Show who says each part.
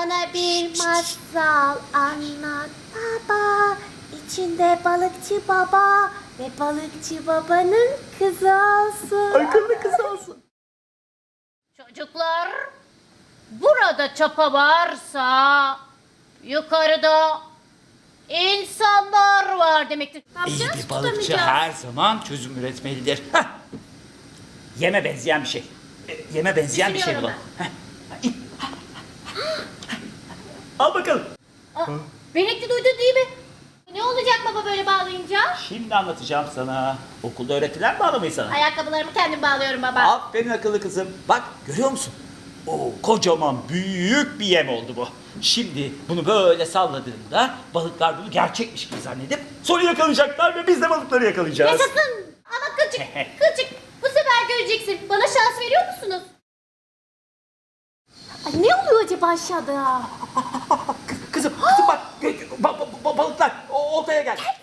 Speaker 1: Bana bir masal anlat baba. İçinde balıkçı baba ve balıkçı babanın kızı olsun.
Speaker 2: Akıllı kız olsun.
Speaker 3: Çocuklar, burada çapa varsa yukarıda insanlar var demektir. Ne
Speaker 2: İyi
Speaker 3: yapacağız?
Speaker 2: bir balıkçı
Speaker 3: Tutamayacağız.
Speaker 2: her zaman çözüm üretmelidir. Hah. Yeme benzeyen bir şey. Yeme benzeyen bir şey
Speaker 3: Düşünüyorum
Speaker 2: bulalım. Heh. Al bakalım.
Speaker 3: Benekli duydun değil mi? Ne olacak baba böyle bağlayınca?
Speaker 2: Şimdi anlatacağım sana. Okulda öğretilen bağlamayı sana.
Speaker 3: Ayakkabılarımı kendim bağlıyorum baba.
Speaker 2: Aferin akıllı kızım. Bak görüyor musun? Oo, kocaman büyük bir yem oldu bu. Şimdi bunu böyle salladığında balıklar bunu gerçekmiş gibi zannedip sonra yakalayacaklar ve biz de balıkları yakalayacağız.
Speaker 3: Yaşasın! Ama kılçık, bu sefer göreceksin. Bana şans veriyor musunuz?
Speaker 1: Ay, ne oluyor acaba aşağıda?
Speaker 2: Kızım bak balıklar oltaya gel.